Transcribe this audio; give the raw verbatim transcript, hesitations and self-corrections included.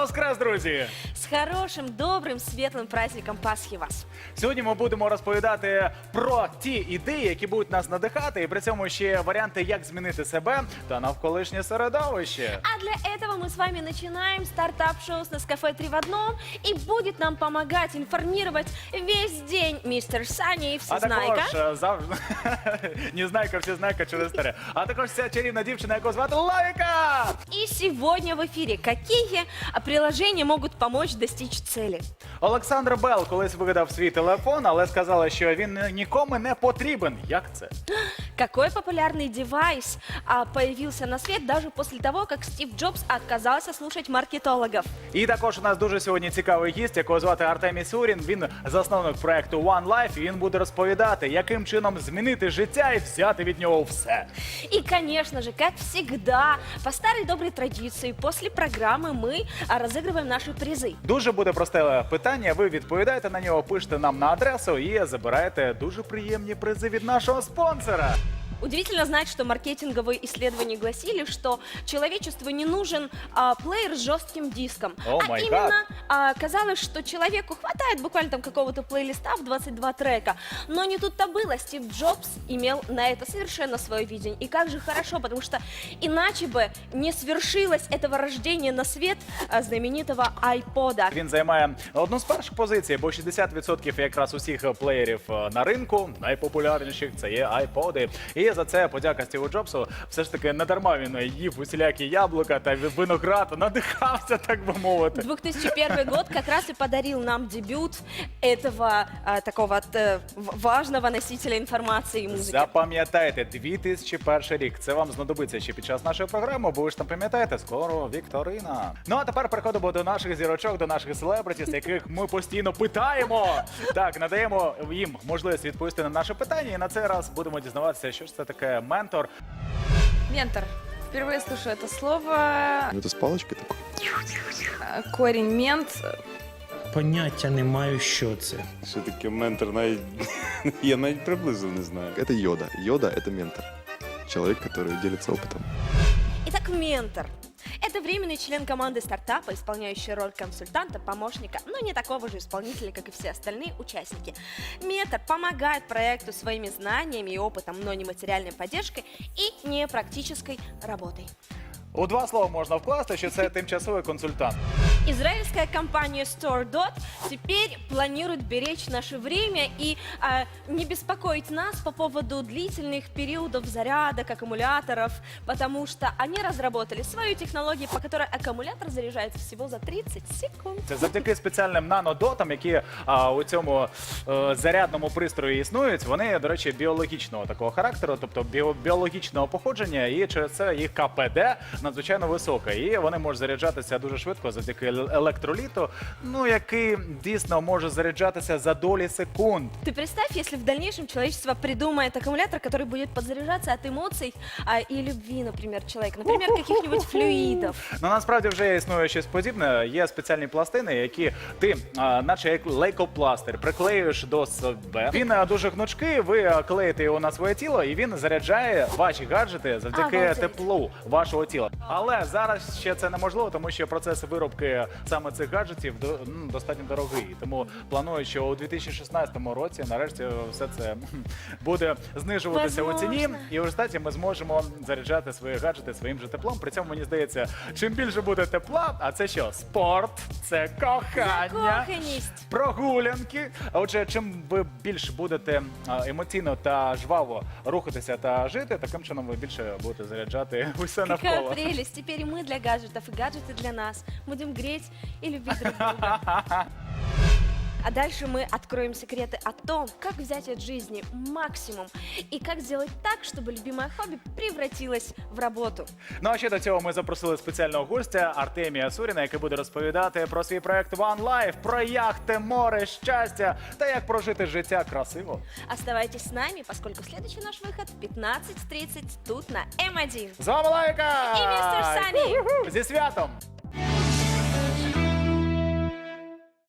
Воскрес, друзі! С хорошим, добрым, светлым праздником Пасхи вас! Сьогодні ми будемо розповідати про ті ідеї, які будуть нас надихати, і при цьому ще варіанти, як змінити себе та навколишнє середовище. А для этого мы с вами начинаем стартап-шоу с Нескафе три в одном. И будет нам помогать, информировать весь день мистер Саня и А Всезнайка. також е, завжди Незнайка, Всезнайка через старе. А також ця чарівна дівчина, яку звати Лавіка! И сегодня в эфире какие приложения могут помочь достичь цели. Олександр Белл колись вигадав свій телефон, але сказала, що він нікому не потрібен. Як це? Какой популярный девайс а, появился на свет даже после того, как Стив Джобс отказался слушать маркетологов? І також у нас дуже сьогодні цікавий гість, якого звати Артемій Сурін. Він засновник проекту One Life, і він буде розповідати, яким чином змінити життя і взяти від нього все. И, конечно же, как всегда, по старой доброй традиции, после программы мы а, разыгрываем наши призы. Дуже буде просте питання, ви відповідаєте на нього, пишете нам на адресу і забираєте дуже приємні призи від нашого спонсора. Удивительно знать, что маркетинговые исследования гласили, что человечеству не нужен а, плеер с жестким диском. О, а май именно гад. а, казалось, что человеку хватает буквально там какого-то плейлиста в двадцать два трека. Но не тут-то было. Стив Джобс имел на это совершенно свое видение. И как же хорошо, потому что иначе бы не свершилось этого рождения на свет а, знаменитого айпода. Він займає одну з перших позицій, бо шістдесят відсотків якраз усіх плеєрів е, на ринку, найпопулярніших, це є айподи. І за це подяка Стіву Джобсу. Все ж таки не дарма він їв усілякі яблука та виноград, надихався, так би мовити. две тысячи первый год как раз и подарил нам дебют этого а, такого э, в- важного носителя информации и музыки. Запам'ятайте, дві тисячі перший рік. Це вам знадобиться ще під час нашої програми, бо ви ж там пам'ятаєте, скоро вікторина. Ну а тепер переходимо до наших зірочок, до наших селебритіс, яких ми постійно питаємо. Так, надаємо їм можливість відповісти на наше питання, і на цей раз будемо дізнаватися, що ж це таке ментор. Ментор. Впервые слышу это слово. Ну, это с палочкой такой. Э, Корень мент. Поняття не маю, що це. Що таке ментор, навіть я навіть приблизно не знаю. Это йода. Йода – это ментор. Человек, который делится опытом. Итак, ментор. Это временный член команды стартапа, исполняющий роль консультанта, помощника, но не такого же исполнителя, как и все остальные участники. Ментор помогает проекту своими знаниями и опытом, но не материальной поддержкой и не практической работой. У два слова можна вкласти, що це тимчасовий консультант. Израильская компания StoreDot теперь планирует беречь наше время и а, не беспокоить нас по поводу длительных периодов зарядок аккумуляторов, потому что они разработали свою технологию, по которой аккумулятор заряжается всего за тридцать секунд. Це завдяки спеціальним нанодотам, які а, у цьому е, зарядному пристрої існують. Вони, до речі, біологічного такого характеру, тобто біо, біологічного походження, і через це їх ка пе де надзвичайно висока. І вони можуть заряджатися дуже швидко завдяки ел- електроліту, ну, який дійсно може заряджатися за долі секунд. Ты представь, если в дальнейшем человечество придумает аккумулятор, который будет подзаряжаться от эмоций а, и любви, например, человека, например, каких-нибудь флюидов. Ну, насправді вже існує щось подібне. Є спеціальні пластини, які ти, а, наче як лейкопластир, приклеюєш до себе. Він а, дуже гнучкий, ви а, клеїте його на своє тіло, і він заряджає ваші гаджети завдяки Обалдеть. теплу вашого тіла. Але зараз ще це неможливо, тому що процес виробки саме цих гаджетів до- м, достатньо дорогий. Тому планую, що у дві тисячі шістнадцятому році нарешті все це м, буде знижуватися у ціні, Возможно. і в результаті ми зможемо заряджати свої гаджети своїм же теплом. При цьому, мені здається, чим більше буде тепла, а це що? Спорт, це кохання, Закоханість. прогулянки. А отже, чим ви більш будете а, емоційно та жваво рухатися та жити, таким чином ви більше будете заряджати усе Какая навколо. прелесть! Теперь и мы для гаджетов, и гаджеты для нас. Будем греть и любить друг друга. А дальше мы откроем секреты о том, как взять от жизни максимум и как сделать так, чтобы любимое хобби превратилось в работу. Ну а ще до цього ми запросили спеціального гостя Артемія Суріна, який буде розповідати про свій проект One Life, про яхти, море, щастя та як прожити життя красиво. Оставайтесь с нами, поскольку следующий наш выход в пятнадцать тридцать тут на эм один. З вами Лайка! І містер Сані! Зі святом!